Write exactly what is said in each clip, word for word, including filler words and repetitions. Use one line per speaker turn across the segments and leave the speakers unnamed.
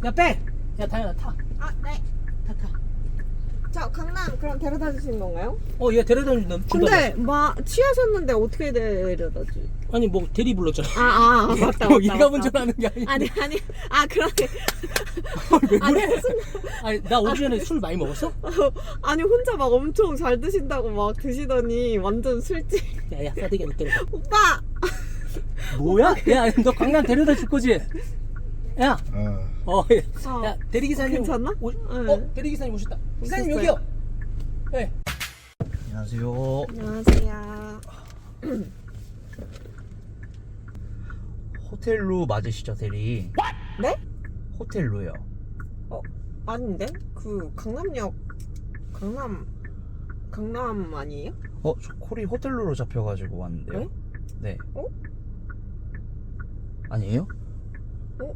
야 빼! 야 다현아 타.
아, 네.
타 타.
저 강남 그럼 데려다 주시는 건가요?
어 얘 데려다 준다.
근데 마 취하셨는데 어떻게 데려다 주?
아니 뭐 대리 불렀잖아.
아, 아, 아 맞다,
뭐
맞다.
얘가 운전하는 게 아니야.
아니, 아니. 아, 그러네.
왜
아니,
그래?
무슨
아니 나 오기 전에 술 많이 먹었어?
아니 혼자 막 엄청 잘 드신다고 막 드시더니 완전 술집.
야야 싸대기 너 때려.
오빠.
뭐야? 야 너 강남 데려다 줄 거지? 야.
어.
어.
어.
야 대리기사님.
괜찮나?
오,
응.
어 대리기사님 오셨다. 기사님
오셨어요?
여기요. 네.
안녕하세요.
안녕하세요.
호텔로 맞으시죠, 대리?
네?
호텔로요.
어, 아닌데? 그 강남역 강남 강남 아니에요?
어, 저 콜이 호텔로로 잡혀가지고 왔는데요.
네?
네.
어?
아니에요?
어?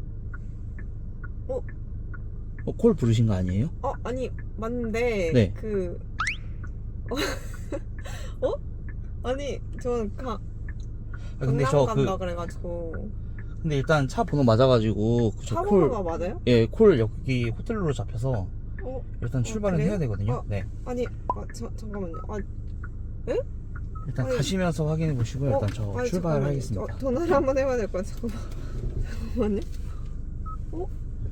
어?
어, 콜 부르신 거 아니에요?
어, 아니 맞는데
네.
그 어? 어? 아니 저는 가
아, 근데
강남
저
간다
그
그래가지고
근데 일단 차 번호 맞아가지고 그 저
차
콜,
번호가 맞아요?
예, 콜 여기 호텔로로 잡혀서
어?
일단 출발은
그래요?
해야 되거든요.
어.
네.
아니 아, 저, 잠깐만요. 아,
일단
아니.
가시면서 확인해 보시고요. 일단 저
아니,
출발하겠습니다.
잠깐만요. 저, 전화를 한번 해봐야 될 것 같아요. 잠깐만. 잠깐만요. 어?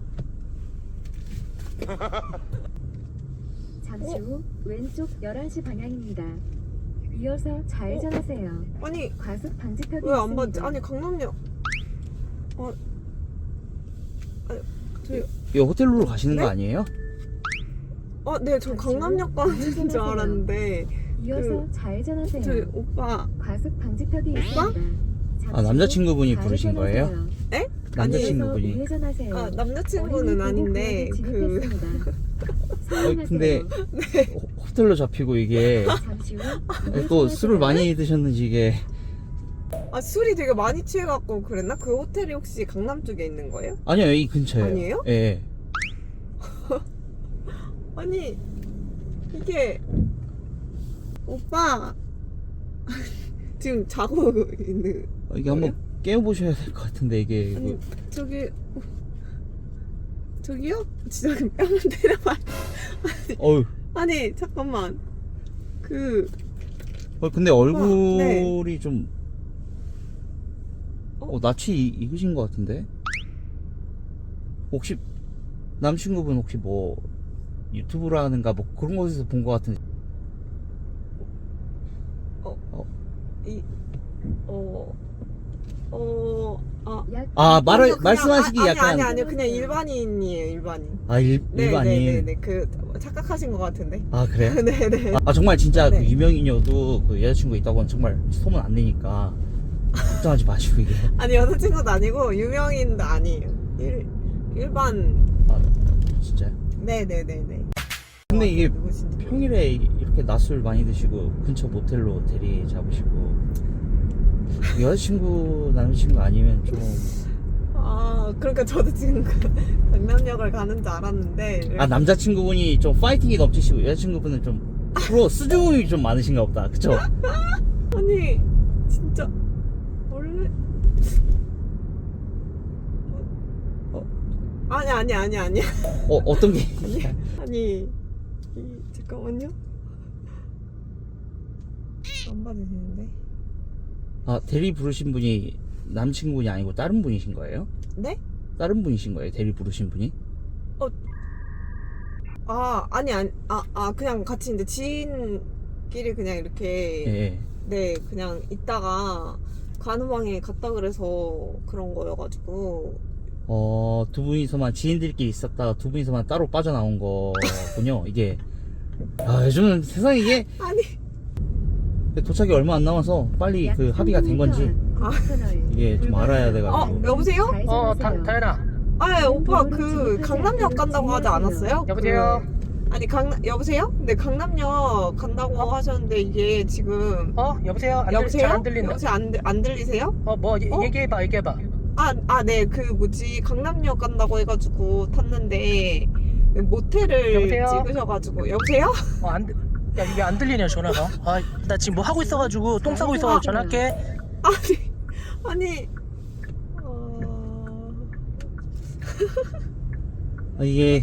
잠시 후 왼쪽 열한 시 방향입니다. 이어서 좌회전하세요.
아니
과속 방지턱이
왜 안 받지?
있습니다.
아니 강남역. 아, 아니 저희
이 호텔로로 가시는
네?
거 아니에요?
아, 네, 저 강남역 가는 줄 알았는데
이어서
그,
좌회전하세요.
저희 오빠.
과속 방지턱이
오빠?
있습니다.
아, 남자친구분이 부르신 거예요?
좌회전하세요.
에?
남자친구분이.
이어서 우회전하세요.
아, 남자친구는
어린이
아닌데
보호구역에
그
진입했습니다.
어, 근데 호- 호텔로 잡히고 이게
잠시 후
또 술을 많이 드셨는지 이게
아, 술이 되게 많이 취해갖고 그랬나? 그 호텔이 혹시 강남 쪽에 있는 거예요?
아니요, 이 근처에요.
아니에요?
예.
아니 이게 오빠 지금 자고 있는
어, 이게 한번 깨워보셔야 될 것 같은데 이게
아니
그-
저기 저기요? 진짜 그 뺨을 때려봐.
어휴.
아니 잠깐만 그
어, 근데 얼굴이 좀
어?
어, 낯이 이- 익으신 것 같은데 혹시 남친구분 혹시 뭐 유튜브라는가 뭐 그런 곳에서 본 것 같은데
이 어 어 아
약
아 말을
아니요, 그냥-
말씀하시기
아, 아니,
약간
아니 아니요 그냥 일반인이에요 일반인.
아 일,
네,
일반인
네, 네, 네. 그 착각하신 것 같은데.
아 그래요?
네네.
아 정말 진짜
네.
그 유명인이어도 그 여자친구 있다고는 정말 소문 안 내니까 걱정하지 마시고 이게
아니 여자친구도 아니고 유명인도 아니에요. 일 일반.
아 진짜요?
네네네네.
근데 이게
누구신지.
평일에 이렇게 낮술 많이 드시고 근처 모텔로 대리 잡으시고 여자친구 남자친구 아니면 좀
아 그러니까 저도 지금 그 강남역을 가는 줄 알았는데.
아 남자친구분이 좀 파이팅이 넘치시고 여자친구분은 좀 프로 수줍음이 좀 많으신가 보다 그쵸?
아니 진짜 원래. 어, 아니 아니 아니 아니
어 어떤 게
아니 아니 이, 잠깐만요. 안 받으시는데.
아 대리 부르신 분이 남친분이 아니고 다른 분이신 거예요?
네?
다른 분이신 거예요? 대리 부르신 분이?
아 아니 아니 아, 아 그냥 같이 이제 지인끼리 그냥 이렇게
예.
네 그냥 있다가 가는 방에 갔다 그래서 그런 거여가지고.
어, 두 분이서만 지인들끼리 있었다가 두 분이서만 따로 빠져나온 거군요, 이게. 아, 요즘은 세상에 이게
아니
도착이 얼마 안 남아서 빨리 그 합의가 된 건지
아.
이게 좀 알아야
어
돼가지고.
여보세요?
어 다, 다현아.
아 오빠 그 강남역 간다고 하지 않았어요?
여보세요?
그, 아니 강남 여보세요? 네 강남역 간다고 하셨는데 이게 지금
어 여보세요? 안 들,
여보세요?
잘 안 들린다.
여보세요 안, 들- 안 들리세요?
어뭐
어?
얘기해봐 얘기해봐.
아, 아, 네, 그 뭐지 강남역 간다고 해가지고 탔는데 모텔을
여보세요?
찍으셔가지고 여보세요?
어안 야 이게 안 들리냐 전화가. 아 나 지금 뭐 하고 있어가지고 똥 싸고 있어가지고 전화할게.
아니 아니 어...
아, 이게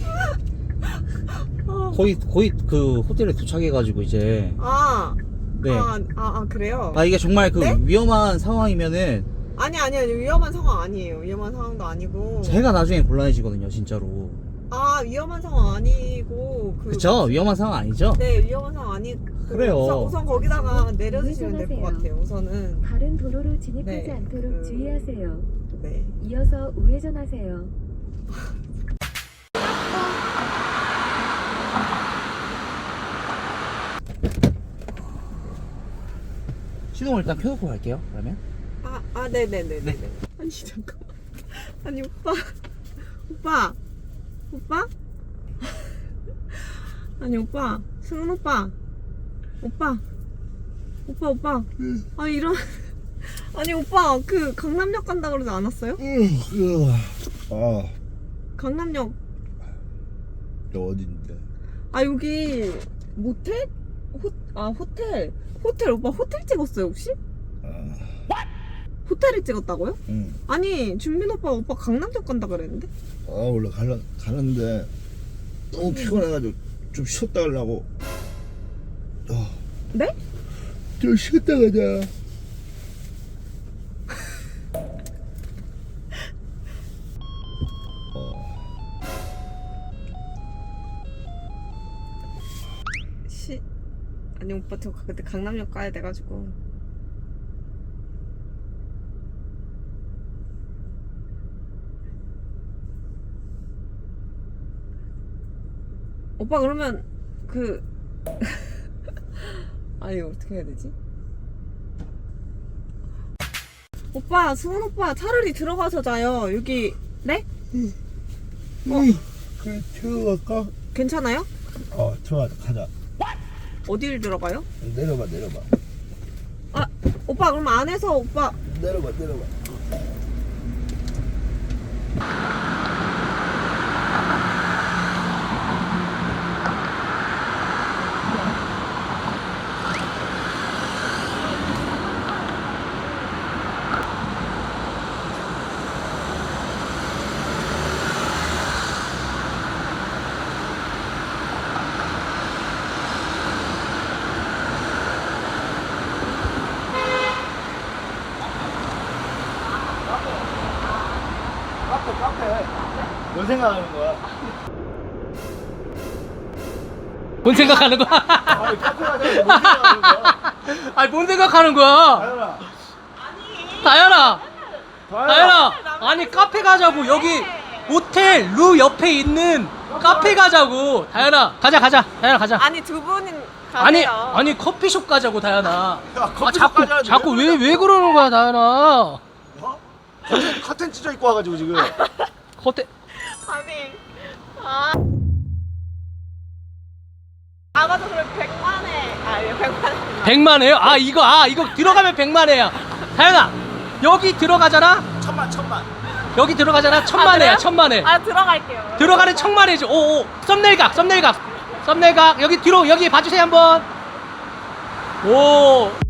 거의 거의 그 호텔에 도착해가지고 이제
아,
네.
아, 아, 아 그래요?
아 이게 정말 그
네?
위험한 상황이면은
아니 아니 아니 위험한 상황 아니에요. 위험한 상황도 아니고.
제가 나중에 곤란해지거든요 진짜로.
아 위험한 상황 아니고 그.
그쵸? 위험한 상황 아니죠?
네 위험한 상황 아니. 그
그래요.
우선, 우선 거기다가 내려주시면 될 것
우회전하세요.
같아요. 우선은.
다른 도로로 진입하지
네,
않도록
그-
주의하세요.
네.
이어서 우회전하세요.
시동을 일단 켜놓고 갈게요 그러면.
아, 아, 네네네네.
네.
네. 아니, 잠깐만. 아니, 오빠. 오빠. 오빠? 아니, 오빠. 승훈 오빠. 오빠. 오빠, 오빠. 아니, 이런. 아니, 오빠. 그, 강남역 간다 그러지 않았어요?
아,
강남역.
너 어딘데?
아, 여기. 모텔? 호, 아, 호텔. 호텔. 오빠 호텔 찍었어요, 혹시?
아,
호텔을 찍었다고요?
응.
아니, 준빈 오빠, 오빠 강남역 간다 그랬는데?
아, 원래 가려, 가는데 너무 피곤해가지고 좀 쉬었다 가려고. 어,
네?
좀 쉬었다 가자.
시 아니 오빠 저 그때 강남역 가야 돼가지고 오빠 그러면 그 아니 어떻게 해야 되지? 오빠 수은 오빠 차라리 들어가서 자요 여기 네?
어? 그래, 들어갈까?
괜찮아요?
어, 들어가자, 가자.
어디를 들어가요?
내려봐, 내려봐.
아 오빠 그럼 안에서 오빠
내려봐, 내려봐. 뭔 생각하는 거야?
뭔 생각하는 거야?
아니, 카페 가자고 뭔 생각하는 거야?
아니 뭔 생각하는 거야?
다현아.
다현아,
다현아.
다현아, 아니 카페 가자고. 여기 모텔 루 옆에 있는 카페 가자고. 다현아, 가자 가자. 다현아 가자.
아니 두 분은
아니
가세요.
아니 커피숍 가자고 다현아.
야,
아
커피숍
자꾸
가자는데
자꾸
왜
왜 왜 그러는 거야 다현아?
어? 커튼, 커튼 찢어 입고 와가지고 지금.
호텔
아니 아 아가도 그럼 백만에 아니 백만에
백만에요? 아 이거 아 이거 들어가면 백만에야. 다현아 여기 들어가잖아.
천만, 천만.
여기 들어가잖아. 천만에야 천만에.
아 들어갈게요.
들어가는 천만에지. 오오 썸네일각 썸네일각 썸네일각 여기 뒤로 여기 봐주세요 한번. 오